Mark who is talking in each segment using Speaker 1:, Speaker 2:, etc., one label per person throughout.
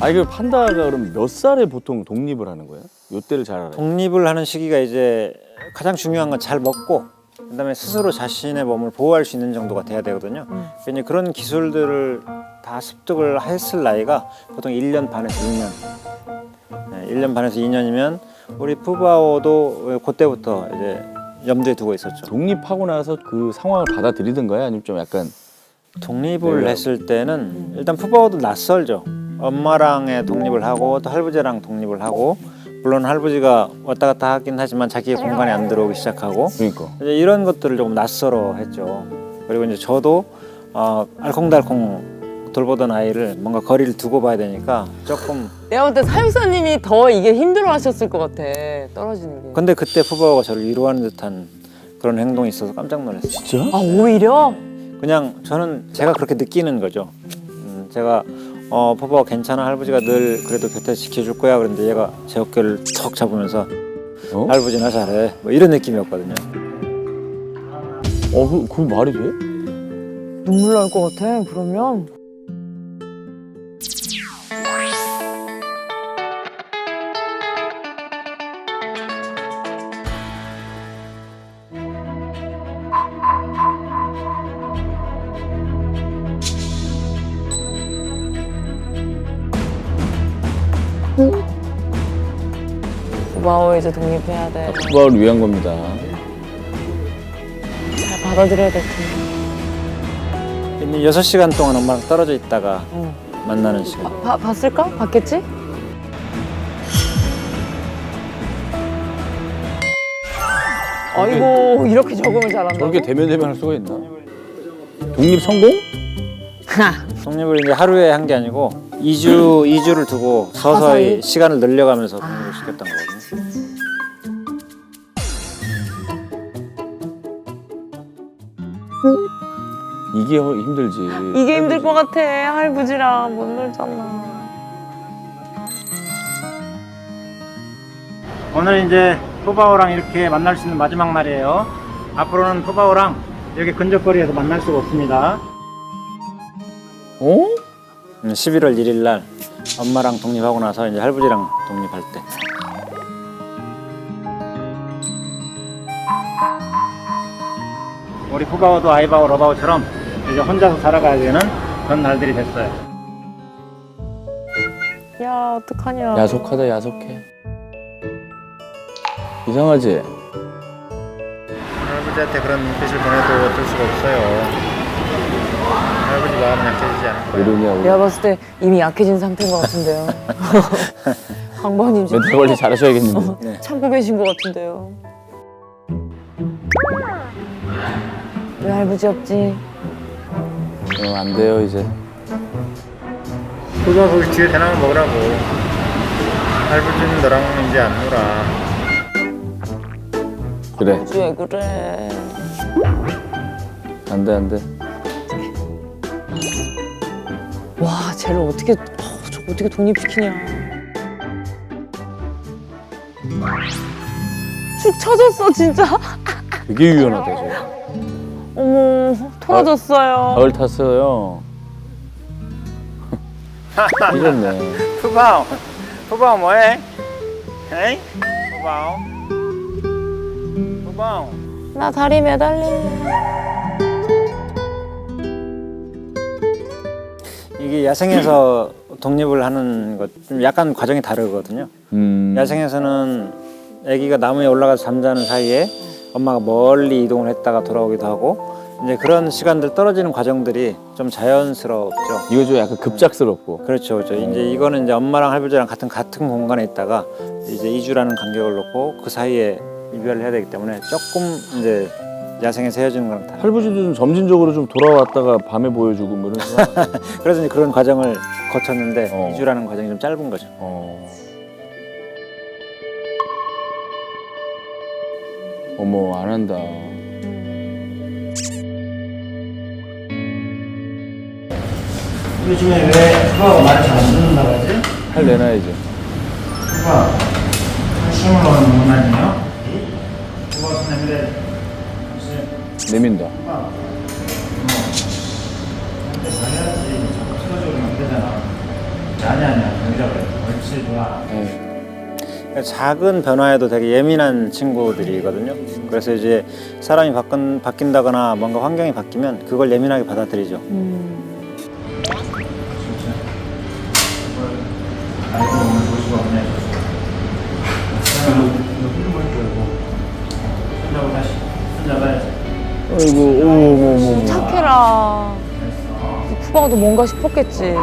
Speaker 1: 아니 그 판다가 그럼 몇 살에 보통 독립을 하는 거야? 요때를 잘 알아요.
Speaker 2: 독립을 하는 시기가 이제 가장 중요한 건 잘 먹고 그다음에 스스로 자신의 몸을 보호할 수 있는 정도가 돼야 되거든요. 그러니까 그런 기술들을 다 습득을 했을 나이가 보통 1년 반에서 2년. 네, 1년 반에서 2년이면 우리 푸바오도 그때부터 이제 염두에 두고 있었죠.
Speaker 1: 독립하고 나서 그 상황을 받아들이던 거야? 아니면 좀 약간
Speaker 2: 독립을 했을 때는 일단 푸바오도 낯설죠. 엄마랑의 독립을 하고 또 할아버지랑 독립을 하고 물론 할아버지가 왔다 갔다 하긴 하지만 자기의 공간에 안 들어오기 시작하고
Speaker 1: 그러니까
Speaker 2: 이제 이런 것들을 조금 낯설어 했죠. 그리고 이제 저도 알콩달콩 돌보던 아이를 뭔가 거리를 두고 봐야 되니까 조금.
Speaker 3: 내가 볼 때 사육사님이 더 이게 힘들어하셨을 것 같아. 떨어지는 게.
Speaker 2: 근데 그때 푸바오가 저를 위로하는 듯한 그런 행동이 있어서 깜짝 놀랐어요.
Speaker 1: 진짜?
Speaker 3: 아 오히려?
Speaker 2: 그냥 저는 제가 그렇게 느끼는 거죠. 제가 푸바오 괜찮아, 할아버지가 늘 그래도 곁에 지켜줄 거야. 그런데 얘가 제 어깨를 턱 잡으면서
Speaker 1: 어?
Speaker 2: 할아버지 나 잘해 뭐 이런 느낌이었거든요.
Speaker 1: 그 말이 돼?
Speaker 3: 눈물 날 것 같아. 그러면. 고마워 이제 독립해야 돼.
Speaker 1: 푸바오를 위한 겁니다.
Speaker 3: 잘 받아들여야 될 텐데.
Speaker 2: 이미 6시간 동안 엄마랑 떨어져 있다가 만나는 시간.
Speaker 3: 봤을까? 봤겠지? 아이고 이렇게 적응을 잘한다고?
Speaker 1: 저렇게 대면대면할 수가 있나? 독립 성공?
Speaker 2: 독립을 이제 하루에 한 게 아니고 2주를 두고 서서히 시간을 늘려가면서 독립을 시켰던 거거든요.
Speaker 1: 이게 힘들지.
Speaker 3: 이게 힘들 것 같아. 할아버지랑 못 놀잖아.
Speaker 2: 오늘 이제 푸바오랑 이렇게 만날 수 있는 마지막 날이에요. 앞으로는 푸바오랑 여기 근접거리에서 만날 수가 없습니다.
Speaker 1: 어?
Speaker 2: 11월 1일 날 엄마랑 독립하고 나서 이제 할아버지랑 독립할 때. 우리 푸바오도 아이바오 러바오처럼 이제 혼자서 살아가야 되는 그런 날들이 됐어요.
Speaker 3: 야 어떡하냐.
Speaker 1: 야속하다 야속해. 이상하지?
Speaker 2: 할아버지한테 그런 눈빛을 보내도 어쩔 수가 없어요. 할아버지 마음은 약해지지 않을 거예요.
Speaker 1: 이러냐 우리.
Speaker 3: 내가 봤을 때 이미 약해진 상태인 것 같은데요. 강번님 지금
Speaker 1: 멘탈 관리 잘하셔야겠는데.
Speaker 2: 네.
Speaker 3: 참고 계신 것 같은데요. 왜 할아버지 없지?
Speaker 1: 안 돼요 이제.
Speaker 2: 그거 거기 뒤에 대나무 먹으라고. 할아버지는 너랑 이제 안 놀아.
Speaker 1: 그래.
Speaker 3: 할아버지 왜 그래?
Speaker 1: 안 돼, 안 돼.
Speaker 3: 와 쟤를 어떻게 저거 어떻게 독립시키냐. 축 처졌어 진짜.
Speaker 1: 되게 유연하다 저.
Speaker 3: 어머 토라졌어요.
Speaker 1: 가을 탔어요. 이랬네.
Speaker 2: 푸바오 뭐해? 에이? 푸바오.
Speaker 3: 나 다리 매달릴래.
Speaker 2: 이게 야생에서 독립을 하는 것 좀 약간 과정이 다르거든요. 야생에서는 아기가 나무에 올라가서 잠자는 사이에 엄마가 멀리 이동을 했다가 돌아오기도 하고 이제 그런 시간들 떨어지는 과정들이 좀 자연스럽죠.
Speaker 1: 이거 좀 약간 급작스럽고.
Speaker 2: 그렇죠, 그렇죠. 이제 이거는 이제 엄마랑 할아버지랑 같은 공간에 있다가 이제 2주라는 간격을 놓고 그 사이에 이별을 해야 되기 때문에 조금 이제 야생에서 헤어지는 거랑 달라요.
Speaker 1: 할아버지도 좀 점진적으로 좀 돌아왔다가 밤에 보여주고 뭐 이런 거.
Speaker 2: 그래서 이제 그런 과정을 거쳤는데 2주라는 과정이 좀 짧은 거죠.
Speaker 1: 어머 안 한다.
Speaker 2: 요즘에 왜 푸바오가 말을 잘 안 듣는다고 하지?
Speaker 1: 할 내놔야지.
Speaker 2: 푸바오 한숨을 넣는 건 아니에요? 푸바오 손 내밀어.
Speaker 1: 내민다.
Speaker 2: 한테 잘해야지. 자꾸 틀어주면 안 되잖아. 아니 작은 변화에도 되게 예민한 친구들이거든요. 그래서 이제 사람이 바뀐다거나 뭔가 환경이 바뀌면 그걸 예민하게 받아들이죠.
Speaker 1: 아이고,
Speaker 3: 착해라. 푸바오도 뭔가 싶었겠지.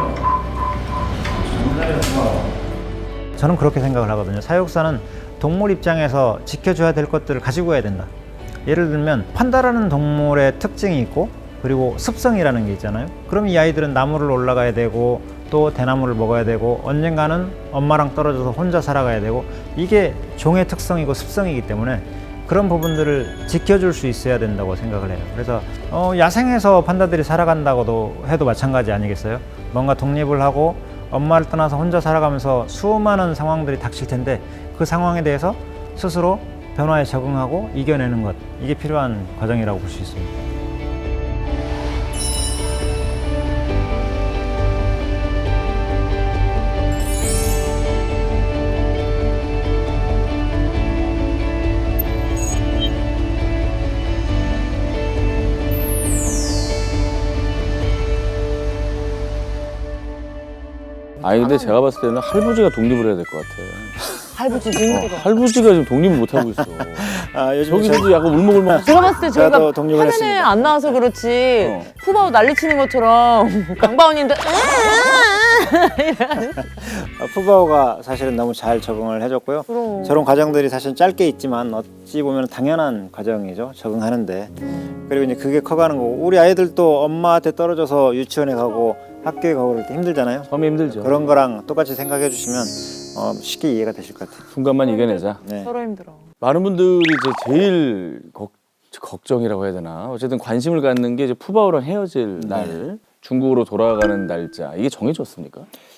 Speaker 2: 저는 그렇게 생각을 하거든요. 사육사는 동물 입장에서 지켜줘야 될 것들을 가지고 가야 된다. 예를 들면 판다라는 동물의 특징이 있고 그리고 습성이라는 게 있잖아요. 그럼 이 아이들은 나무를 올라가야 되고 또 대나무를 먹어야 되고 언젠가는 엄마랑 떨어져서 혼자 살아가야 되고 이게 종의 특성이고 습성이기 때문에 그런 부분들을 지켜줄 수 있어야 된다고 생각을 해요. 그래서 야생에서 판다들이 살아간다고도 해도 마찬가지 아니겠어요? 뭔가 독립을 하고 엄마를 떠나서 혼자 살아가면서 수많은 상황들이 닥칠 텐데 그 상황에 대해서 스스로 변화에 적응하고 이겨내는 것, 이게 필요한 과정이라고 볼 수 있습니다.
Speaker 1: 아니 근데 제가 봤을 때는 할부지가 독립을 해야 될 것 같아.
Speaker 3: 할부지도 힘들어.
Speaker 1: 할부지가 지금 독립을 못 하고 있어.
Speaker 2: 요즘
Speaker 1: 저기서도 약간 울먹울먹.
Speaker 3: 제가 봤을 때 저희가
Speaker 2: 저도 독립을
Speaker 3: 화면에
Speaker 2: 했습니다.
Speaker 3: 안 나와서 그렇지
Speaker 1: 어.
Speaker 3: 푸바오 난리치는 것처럼 강바오님도
Speaker 2: 푸바오가 사실은 너무 잘 적응을 해줬고요.
Speaker 3: 그럼.
Speaker 2: 저런 과정들이 사실 짧게 있지만 어찌 보면 당연한 과정이죠. 적응하는데. 그리고 이제 그게 커가는 거고 우리 아이들도 엄마한테 떨어져서 유치원에 가고 학교에 가고 그럴 때 힘들잖아요.
Speaker 1: 처음에 힘들죠.
Speaker 2: 그런 거랑 똑같이 생각해 주시면 쉽게 이해가 되실 것 같아요.
Speaker 1: 순간만 이겨내자.
Speaker 2: 네.
Speaker 3: 서로 힘들어.
Speaker 1: 많은 분들이 이제 제일 걱정이라고 해야 되나. 어쨌든 관심을 갖는 게 이제 푸바오랑 헤어질 날, 중국으로 돌아가는 날짜. 이게 정해졌습니까?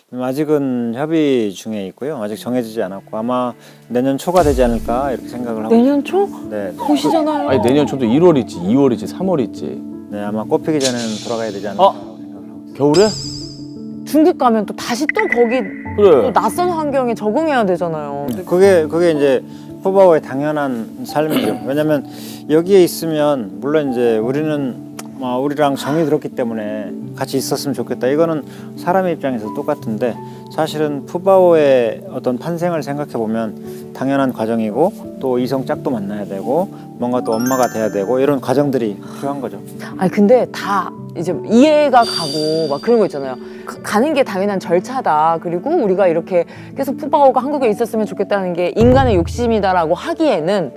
Speaker 2: 아직은 협의 중에 있고요. 아직 정해지지 않았고 아마 내년 초가 되지 않을까 이렇게 생각을 하고
Speaker 3: 내년 초?
Speaker 2: 네, 네.
Speaker 3: 보시잖아요.
Speaker 1: 아니 내년 초도 1월 있지, 2월 있지, 3월 있지.
Speaker 2: 네, 아마 꽃피기 전에는 돌아가야 되지 않을까 생각을 하고 있습니다.
Speaker 1: 겨울에?
Speaker 3: 중국 가면 또 다시 또 거기
Speaker 1: 그래.
Speaker 3: 또 낯선 환경에 적응해야 되잖아요.
Speaker 2: 그게 이제 푸바오의 당연한 삶이죠. 왜냐면 여기에 있으면 물론 이제 우리는 우리랑 정이 들었기 때문에 같이 있었으면 좋겠다. 이거는 사람의 입장에서 똑같은데 사실은 푸바오의 어떤 판생을 생각해 보면 당연한 과정이고 또 이성 짝도 만나야 되고 뭔가 또 엄마가 돼야 되고 이런 과정들이 필요한 거죠.
Speaker 3: 아니 근데 다 이제 이해가 가고 막 그런 거 있잖아요. 가는 게 당연한 절차다. 그리고 우리가 이렇게 계속 푸바오가 한국에 있었으면 좋겠다는 게 인간의 욕심이다라고 하기에는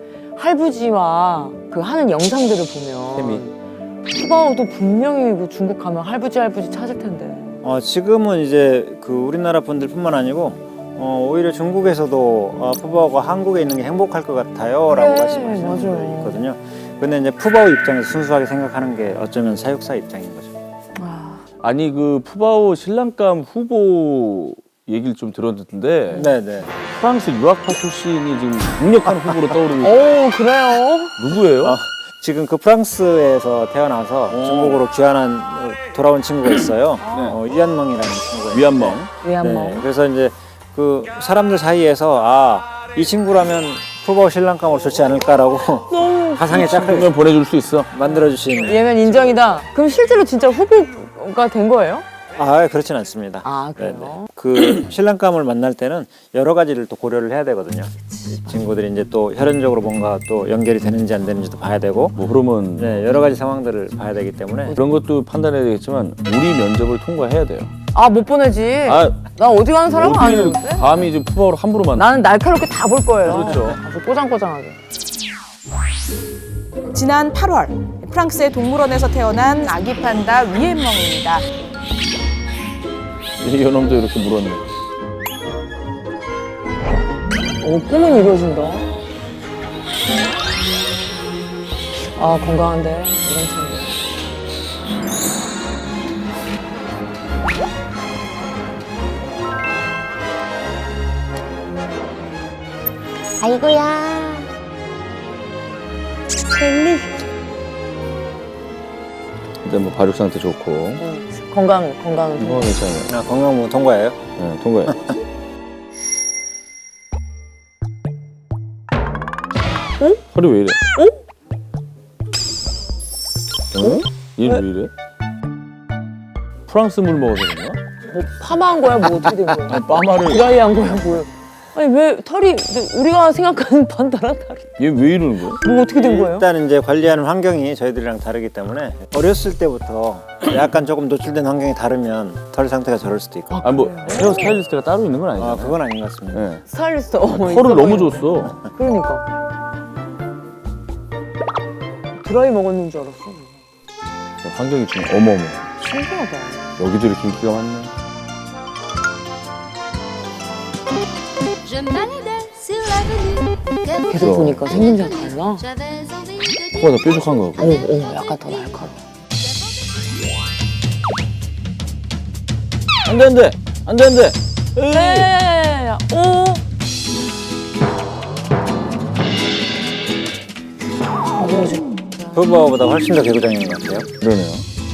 Speaker 3: 할부지와 그 하는 영상들을 보면 푸바오도 분명히 그 중국 가면 할부지 찾을 텐데.
Speaker 2: 지금은 이제 그 우리나라 분들뿐만 아니고 오히려 중국에서도 푸바오가 한국에 있는 게 행복할 것 같아요라고
Speaker 3: 그래,
Speaker 2: 말씀하시는
Speaker 3: 맞아요.
Speaker 2: 분들이 있거든요. 근데 이제 푸바오 입장에서 순수하게 생각하는 게 어쩌면 사육사 입장인 거죠.
Speaker 1: 아니 그 푸바오 신랑감 후보 얘기를 좀 들었는데
Speaker 2: 네네.
Speaker 1: 프랑스 유학파 출신이 지금 강력한 후보로 떠오르고
Speaker 3: 오 그래요?
Speaker 1: 누구예요?
Speaker 2: 지금 그 프랑스에서 태어나서 중국으로 돌아온 친구가 있어요. 위안멍이라는 친구가 있는데.
Speaker 1: 위안멍.
Speaker 3: 위안멍.
Speaker 2: 네, 그래서 이제 그 사람들 사이에서 이 친구라면 푸바오 신랑감으로 좋지 않을까라고
Speaker 3: 너무
Speaker 2: 가상의 짝을
Speaker 1: 그러면 보내줄 수 있어.
Speaker 2: 만들어주신.
Speaker 3: 얘면 인정이다. 그럼 실제로 진짜 후보가 된 거예요?
Speaker 2: 그렇진 않습니다.
Speaker 3: 그래요?
Speaker 2: 네네. 그 신랑감을 만날 때는 여러 가지를 또 고려를 해야 되거든요. 이 친구들이 이제 또 혈연적으로 뭔가 또 연결이 되는지 안 되는지도 봐야 되고,
Speaker 1: 뭐 그러면
Speaker 2: 네, 여러 가지 상황들을 봐야 되기 때문에.
Speaker 1: 그런 것도 판단해야 되겠지만 우리 면접을 통과해야 돼요.
Speaker 3: 못 보내지.
Speaker 1: 아,
Speaker 3: 나 어디 가는 사람은
Speaker 1: 어디를
Speaker 3: 아니는데?
Speaker 1: 감히 지금 푸바오로 함부로 만나.
Speaker 3: 나는 날카롭게 다 볼 거예요.
Speaker 1: 그렇죠.
Speaker 3: 아주 꼬장꼬장하게.
Speaker 4: 지난 8월 프랑스의 동물원에서 태어난 아기 판다 위엔멍입니다.
Speaker 1: 이놈도 이렇게 물었네.
Speaker 3: 꿈은 이루어진다. 건강한데 이런 친구. 아이고야. 젤리.
Speaker 1: 일단 뭐 발육 상태 좋고.
Speaker 3: 건강
Speaker 1: 괜찮아요.
Speaker 2: 건강보험 통과예요.
Speaker 1: 네, 통과해. 허리 왜 이래? 얘 왜 이래? 프랑스 물 먹어서 그런가?
Speaker 3: 뭐 파마한 거야 뭐 어떻게 된 거야?
Speaker 1: 빠마를.
Speaker 3: 드라이한 거야 뭐야? 아니 왜 털이 우리가 생각하는 판다랑 다르?
Speaker 1: 얘 왜 이러는 거야?
Speaker 3: 뭐 어떻게 된 거예요?
Speaker 2: 일단 이제 관리하는 환경이 저희들이랑 다르기 때문에 어렸을 때부터 약간 조금 노출된 환경이 다르면 털 상태가 저럴 수도 있고.
Speaker 1: 아 뭐 헤어 스타일리스트가 따로 있는 건 아니잖아요.
Speaker 2: 그건 아닌 것 같습니다.
Speaker 1: 네.
Speaker 3: 스타일리스트
Speaker 1: 털을 너무 줬어.
Speaker 3: 그러니까 드라이 먹었는 줄 알았어.
Speaker 1: 환경이 좀 어머머.
Speaker 3: 신기하다.
Speaker 1: 여기도 이렇게 인기가 많네.
Speaker 5: Je me baladais sur l'avenue.
Speaker 3: 계속 보니까 생긴 줄 달라.
Speaker 5: J'avais envie de
Speaker 1: 코가 더 뾰족한 거 같고.
Speaker 3: 약간 더 날카로워.
Speaker 1: 안돼.
Speaker 3: 네. 오.
Speaker 2: 푸바오보다 훨씬 더 개구장인 것 같아요.
Speaker 1: 그러네요.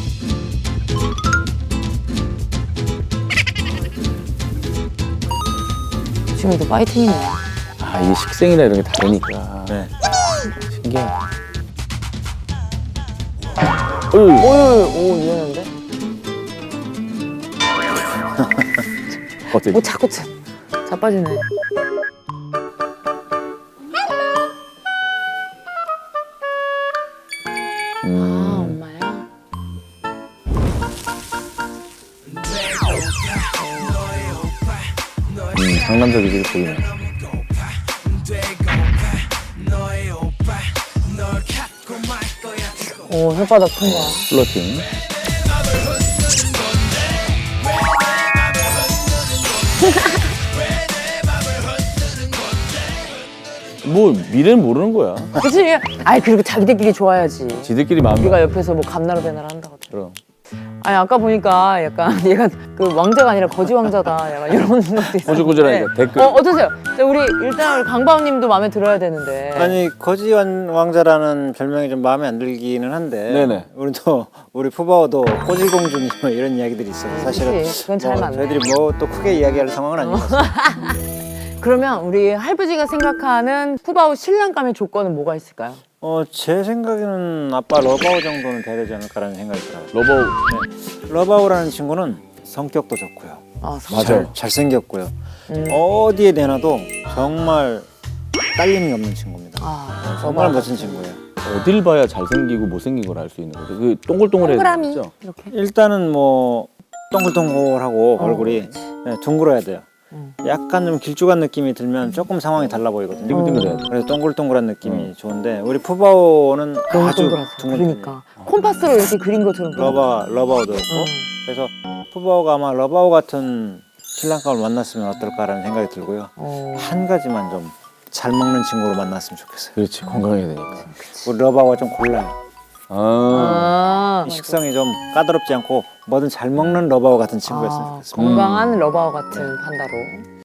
Speaker 3: 지금도 파이팅이네.
Speaker 1: 아 이게 식생이나 이런 게 다르니까.
Speaker 2: 네.
Speaker 1: 신기해.
Speaker 3: 오 유연한데?
Speaker 1: 어때?
Speaker 3: 뭐 자꾸 자빠지네. 아 엄마야.
Speaker 1: 상남자들이 보이네.
Speaker 3: 오 혓바닥 큰 거야.
Speaker 1: 플러팅. 뭐 미래는 모르는 거야.
Speaker 3: 그치? 아이 그리고 자기들끼리 좋아야지.
Speaker 1: 지들끼리 마음이.
Speaker 3: 우리가 옆에서 뭐 감나라 배나라 한다고.
Speaker 1: 그럼.
Speaker 3: 아니 아까 보니까 약간 얘가 그 왕자가 아니라 거지 왕자다. 약간 이런 것도 있어.
Speaker 1: 꼬질꼬질하니까 댓글.
Speaker 3: 어떠세요? 자, 우리 일단 강바오님도 마음에 들어야 되는데.
Speaker 2: 아니 거지 왕자라는 별명이 좀 마음에 안 들기는 한데.
Speaker 1: 네네.
Speaker 2: 우리 푸바오도 꼬질공주니 뭐 이런 이야기들이 있어서 사실은
Speaker 3: 그치, 그건 잘 맞네.
Speaker 2: 저희들이 뭐 또 크게 이야기할 상황은 아닌 것 같습니다.
Speaker 3: 그러면 우리 할부지가 생각하는 푸바오 신랑감의 조건은 뭐가 있을까요?
Speaker 2: 제 생각에는 아빠 러바오 정도는 돼야 되지 않을까라는 생각이 들어요.
Speaker 1: 러버.
Speaker 2: 러바오라는 친구는 성격도 좋고요.
Speaker 3: 아,
Speaker 1: 맞아요.
Speaker 2: 잘생겼고요. 어디에 내놔도 정말 딸림이 없는 친구입니다.
Speaker 3: 아,
Speaker 2: 정말 멋진 친구예요.
Speaker 1: 어딜 봐야 잘생기고 못생긴 걸 알 수 있는 거죠. 그 동글동글해야
Speaker 3: 동그라미
Speaker 1: 되죠.
Speaker 3: 이렇게.
Speaker 2: 일단은 뭐 동글동글하고 얼굴이 네, 둥글어야 돼요. 약간 좀 길쭉한 느낌이 들면 조금 상황이 달라 보이거든요.
Speaker 1: 띵글띵글해야 돼.
Speaker 2: 그래서 동글동글한 느낌이 좋은데 우리 푸바오는
Speaker 3: 너무
Speaker 2: 아주
Speaker 3: 동그랗죠.
Speaker 2: 둥근
Speaker 3: 그러니까 콤파스로 이렇게 그린 것처럼.
Speaker 2: 러바오도 있고 그래서 푸바오가 아마 러바오 같은 신랑감을 만났으면 어떨까라는 생각이 들고요. 한 가지만 좀 잘 먹는 친구로 만났으면 좋겠어요.
Speaker 1: 그렇지, 건강해야 되니까.
Speaker 2: 우리 러바오가 좀 골라요.
Speaker 3: 아,
Speaker 2: 이 식성이 좀 까다롭지 않고 뭐든 잘 먹는 러바오 같은 친구였으면 좋겠습니다.
Speaker 3: 건강한 러바오 같은 판다로.